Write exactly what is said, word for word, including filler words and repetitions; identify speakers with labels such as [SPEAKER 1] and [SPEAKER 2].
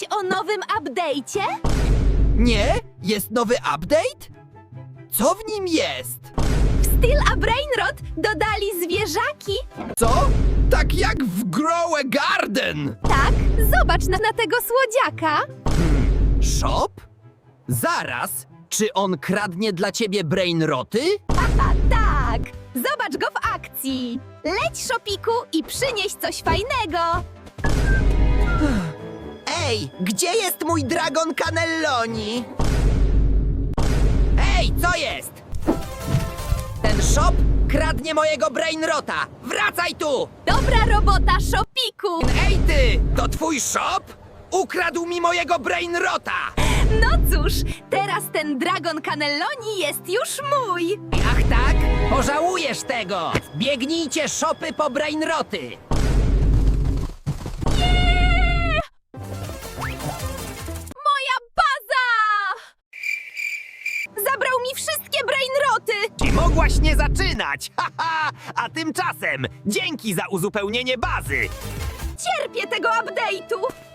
[SPEAKER 1] Słyszałeś o nowym update'cie?
[SPEAKER 2] Nie? Jest nowy update? Co w nim jest?
[SPEAKER 1] W Steel a Brainrot dodali zwierzaki.
[SPEAKER 2] Co? Tak jak w Grow a Garden!
[SPEAKER 1] Tak, zobacz na, na tego słodziaka.
[SPEAKER 2] Shop? Zaraz, czy on kradnie dla ciebie brainroty?
[SPEAKER 1] Haha, tak. Zobacz go w akcji. Leć, Szopiku, i przynieś coś fajnego.
[SPEAKER 2] Ej, gdzie jest mój Dragon Cannelloni? Ej, co jest? Ten shop kradnie mojego brainrota! Wracaj tu!
[SPEAKER 1] Dobra robota, Szopiku.
[SPEAKER 2] Ej ty, to twój shop? Ukradł mi mojego brainrota!
[SPEAKER 1] No cóż, teraz ten Dragon Cannelloni jest już mój.
[SPEAKER 2] Ach tak? Pożałujesz tego! Biegnijcie shopy po brainroty!
[SPEAKER 1] Moja baza! Zabrał mi wszystkie brainroty.
[SPEAKER 3] I mogłaś nie zaczynać! Haha! A tymczasem dzięki za uzupełnienie bazy!
[SPEAKER 1] Cierpię tego update'u.